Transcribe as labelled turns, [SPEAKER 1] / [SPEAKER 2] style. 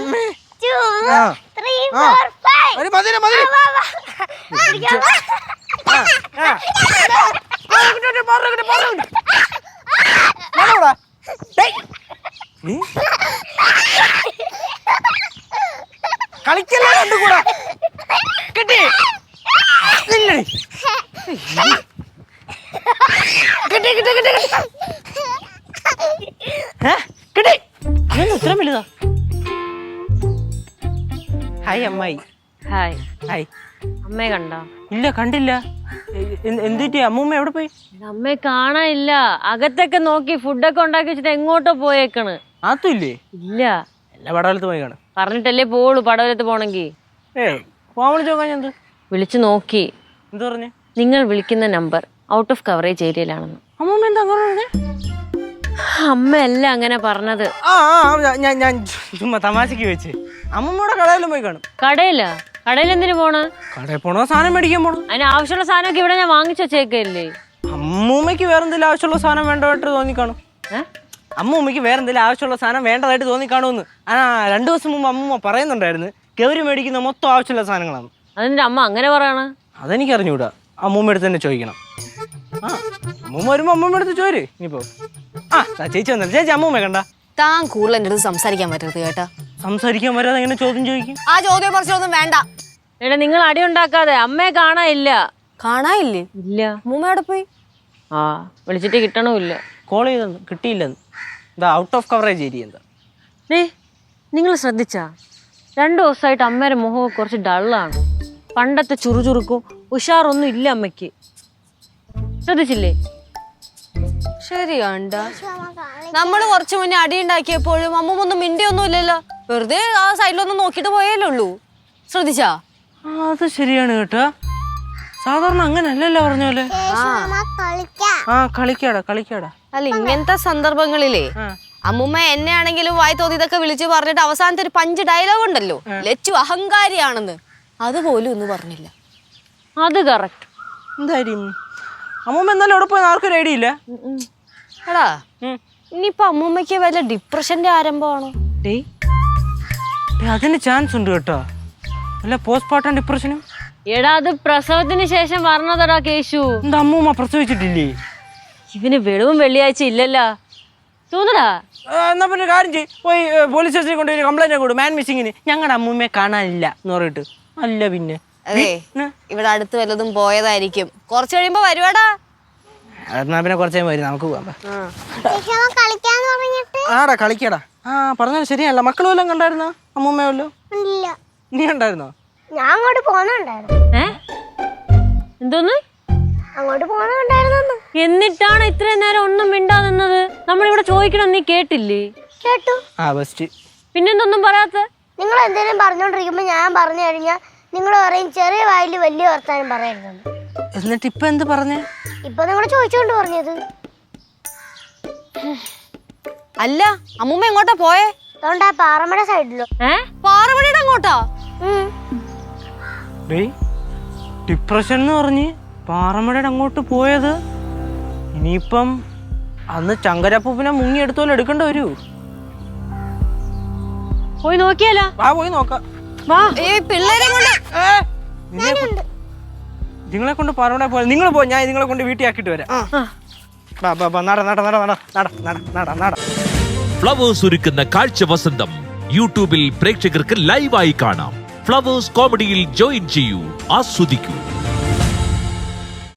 [SPEAKER 1] 3, 4, 5.
[SPEAKER 2] കളിക്കല്ലേ രണ്ടു കൂടെ കിട്ടി കിട്ടി കിട്ടി കിട്ടി കിട്ടി ഇത്ര വലുതാ. ഹായ് അമ്മായി.
[SPEAKER 3] ഹായ്.
[SPEAKER 2] ഹായ്.
[SPEAKER 3] അമ്മയെ കണ്ടോ?
[SPEAKER 2] ഇല്ല കണ്ടില്ല. എന്തിട്ട് അമ്മൂമ്മ എവിടെ പോയി?
[SPEAKER 3] അമ്മയെ കാണാനില്ല. അകത്തൊക്കെ നോക്കി ഫുഡൊക്കെ ഉണ്ടാക്കി വെച്ചിട്ട് എങ്ങോട്ടോ പോയേക്കണ്.
[SPEAKER 2] അതുമില്ലേ?
[SPEAKER 3] ഇല്ല.
[SPEAKER 2] എല്ലാ പടവലത്ത് പോയി കാണും.
[SPEAKER 3] പറഞ്ഞിട്ടല്ലേ പോളൂ പടവലത്ത് പോണെങ്കി.
[SPEAKER 2] പോവാൻ വിളിച്ചോക്കാൻ എന്ത്
[SPEAKER 3] വിളിച്ചു നോക്കി.
[SPEAKER 2] എന്ത് പറഞ്ഞു?
[SPEAKER 3] നിങ്ങൾ വിളിക്കുന്ന നമ്പർ ഔട്ട് ഓഫ് കവറേജ് ഏരിയയിലാണെന്ന്.
[SPEAKER 2] അമ്മൂമ്മ എന്താ പറഞ്ഞത്?
[SPEAKER 3] അമ്മയല്ല അങ്ങനെ പറഞ്ഞത്.
[SPEAKER 2] ഞാൻ ചുമ്മാ തമാശക്ക് വെച്ച്. അമ്മൂമ്മയുടെ കടയിലും പോയി കാണും.
[SPEAKER 3] കടയിലാ? കടയിൽ എന്തിനു പോണ്?
[SPEAKER 2] കടയിൽ പോണോ സാധനം മേടിക്കാൻ പോണോ?
[SPEAKER 3] അതിന് ആവശ്യമുള്ള സാധനമൊക്കെ ഇവിടെ ഞാൻ വാങ്ങിച്ചു വെച്ചേക്കല്ലേ.
[SPEAKER 2] അമ്മൂമ്മക്ക് വേറെന്തെങ്കിലും ആവശ്യമുള്ള സാധനം വേണ്ടതായിട്ട് തോന്നിക്കാണും. അമ്മൂമ്മക്ക് വേറെന്തെങ്കിലും ആവശ്യമുള്ള സാധനം വേണ്ടതായിട്ട് തോന്നിക്കാണുമെന്ന് 2 ദിവസം മുമ്പ് അമ്മൂമ്മ പറയുന്നുണ്ടായിരുന്നു. ഗൗരി മേടിക്കുന്ന മൊത്തം ആവശ്യമുള്ള സാധനങ്ങളാണ്.
[SPEAKER 3] അതിന്റെ അമ്മ അങ്ങനെ പറയണ?
[SPEAKER 2] അതെനിക്ക് അറിഞ്ഞൂടാ. അമ്മൂമ്മ എടുത്ത് തന്നെ ചോദിക്കണം. അമ്മൂമ്മ വരുമ്പോ അമ്മൂമ്മ എടുത്ത് ചോര്. ഇനിയിപ്പോ ചേച്ചി വന്നല്ലോ. ചേച്ചി അമ്മൂമ്മ കണ്ട?
[SPEAKER 4] താൻ കൂടുതൽ എൻ്റെ അടുത്ത് സംസാരിക്കാൻ പറ്റരുത് കേട്ടാ.
[SPEAKER 2] സംസാരിക്കാൻ വരാതെ എങ്ങനെ ചോദ്യം ചോദിക്കും?
[SPEAKER 4] ആ ചോദ്യം കുറച്ചൊന്നും വേണ്ട.
[SPEAKER 3] എടാ നിങ്ങൾ അടി ഉണ്ടാക്കാതെ. അമ്മയെ കാണാനില്ല.
[SPEAKER 4] കാണാനില്ലേ?
[SPEAKER 3] ഇല്ല.
[SPEAKER 4] അമ്മൂമ്മ എവിടെ പോയി?
[SPEAKER 3] വിളിച്ചിട്ട് കിട്ടണമില്ല.
[SPEAKER 2] കോൾ ചെയ്തെന്ന് കിട്ടിയില്ലെന്ന്. എന്താ ഔട്ട് ഓഫ് കവറേജ് ഏരിയ എന്താ?
[SPEAKER 3] നിങ്ങൾ ശ്രദ്ധിച്ചാ 2 ദിവസമായിട്ട് അമ്മയുടെ മുഖം കുറച്ച് ഡള്ളാണ്. പണ്ടത്തെ ചുറുചുറുക്കും ഉഷാറൊന്നും ഇല്ല അമ്മയ്ക്ക്. ശ്രദ്ധിച്ചില്ലേ?
[SPEAKER 4] ശരിയാണ്ട. നമ്മള് കുറച്ചു മുന്നേ അടി ഉണ്ടാക്കിയപ്പോഴും അമ്മൂമ്മൊന്നും മിണ്ടിയൊന്നും ഇല്ലല്ലോ. വെറുതെ ആ സൈഡിലൊന്നും നോക്കിട്ട് പോയല്ലേ ഉള്ളൂ. ശ്രദ്ധിച്ചാ?
[SPEAKER 2] അത് ശരിയാണ് കേട്ടോ. സാധാരണ അങ്ങനല്ലല്ലോ പറഞ്ഞ പോലെ. കളിക്കാടാ കളിക്കാടാ.
[SPEAKER 4] അല്ല ഇങ്ങനത്തെ സന്ദർഭങ്ങളിലേ അമ്മൂമ്മ എന്നെ ആണെങ്കിലും വായി തോന്നിയതൊക്കെ വിളിച്ചു പറഞ്ഞിട്ട് അവസാനത്തെ ഒരു 5 ഡയലോഗ് ഉണ്ടല്ലോ, ലച്ചു അഹങ്കാരിയാണെന്ന്, അതുപോലും ഒന്നും പറഞ്ഞില്ല.
[SPEAKER 3] അത് കറക്റ്റ്.
[SPEAKER 2] എന്തായാലും അമ്മൂമ്മ എന്നാലും അവിടെ പോയി ആർക്കൊരു ഐഡിയ ഇല്ല.
[SPEAKER 4] എടാ ഇനിയിപ്പൊ അമ്മൂമ്മക്ക് വല്ല ഡിപ്രഷന്റെ ആരംഭമാണോ?
[SPEAKER 2] അതിന് ചാൻസ് ഉണ്ട് കേട്ടോ. അല്ല പോസ്റ്റ്മോർട്ടം ഡിപ്രഷനും.
[SPEAKER 3] എടാ അത് പ്രസവത്തിന് ശേഷം പറഞ്ഞതടാ കേശു.
[SPEAKER 2] എന്താ അമ്മൂമ്മ പ്രസവിച്ചിട്ടില്ലേ?
[SPEAKER 3] ഇവന് വെളിവും വെള്ളിയാഴ്ച ഇല്ലല്ലോ തോന്നടാ.
[SPEAKER 2] എന്നാ പിന്നെ കാര്യം ചെയ്യ്, പോയി പോലീസ് സ്റ്റേഷനിൽ കൊണ്ടുപോയി കംപ്ലൈന്റ് കൊടു. മാൻ മിസ്സിങ്ങിന് ഞങ്ങളുടെ അമ്മൂമ്മയെ കാണാനില്ല എന്ന് പറഞ്ഞിട്ട്. അല്ല പിന്നെ
[SPEAKER 4] അതെ ഇവിടെ അടുത്ത് വല്ലതും പോയതായിരിക്കും. കുറച്ച് കഴിയുമ്പോ വരുവാടാ.
[SPEAKER 2] എന്നാ പിന്നെ കുറച്ചേ വരും, നമുക്ക് പോവാം. ആടാ കളിക്കടാ. പറഞ്ഞത് ശരിയല്ല. മക്കളും വല്ലതും കണ്ടായിരുന്നോ? അമ്മൂമ്മ വല്ലോ? നീ കണ്ടായിരുന്നോ?
[SPEAKER 1] ഞാൻ അങ്ങോട്ട് പോന്നുണ്ടായിരുന്നു.
[SPEAKER 3] എന്തോന്ന്?
[SPEAKER 1] അങ്ങോട്ട് പോന്നുണ്ടായിരുന്നു.
[SPEAKER 3] എന്നിട്ടാണ് ഇത്രയും നേരം ഒന്നും മിണ്ടാ നിന്നത്? നമ്മളിവിടെ ചോദിക്കണം, നീ കേട്ടില്ലേ?
[SPEAKER 1] കേട്ടു.
[SPEAKER 3] പിന്നെന്തൊന്നും പറയാത്ത?
[SPEAKER 1] നിങ്ങൾ എന്തെങ്കിലും പറഞ്ഞോണ്ടിരിക്കുമ്പോ ഞാൻ പറഞ്ഞു കഴിഞ്ഞാൽ നിങ്ങൾ പറയും ചെറിയ വായിൽ വലിയ വർത്താനം പറയരുതെന്ന്.
[SPEAKER 2] എന്നിട്ട് ഇപ്പൊ എന്ത് പറഞ്ഞേ?
[SPEAKER 1] ഇപ്പൊ നിങ്ങൾ ചോദിച്ചോണ്ട് പറഞ്ഞത്.
[SPEAKER 4] അല്ല അമ്മൂമ്മ എങ്ങോട്ടാ പോയേ?
[SPEAKER 1] അതുകൊണ്ട് ആ പാറമട സൈഡിലോ.
[SPEAKER 4] പാറമടയുടെ അങ്ങോട്ടാ?
[SPEAKER 2] ഡിപ്രഷൻ എന്ന് പറഞ്ഞ് പാറമടയുടെ അങ്ങോട്ട് പോയത്. ഇനിയിപ്പം അന്ന് ചങ്കരപ്പൂപ്പിനെ മുങ്ങി എടുത്തോലെ എടുക്കേണ്ട വരൂ.
[SPEAKER 3] പോയി നോക്കിയാലോ?
[SPEAKER 2] പോയി നോക്കാം. നിങ്ങളെ കൊണ്ട് പാറമട പോയ നിങ്ങൾ പോ, ഞാൻ നിങ്ങളെ കൊണ്ട് വീട്ടിൽ ആക്കിട്ട് വരാം.
[SPEAKER 5] ഫ്ലവേഴ്സ് ഒരുക്കുന്ന കാഴ്ച വസന്തം യൂട്യൂബിൽ പ്രേക്ഷകർക്ക് ലൈവായി കാണാം. ഫ്ലവേഴ്സ് കോമഡിയിൽ ജോയിൻ ചെയ്യൂ, ആസ്വദിക്കൂ.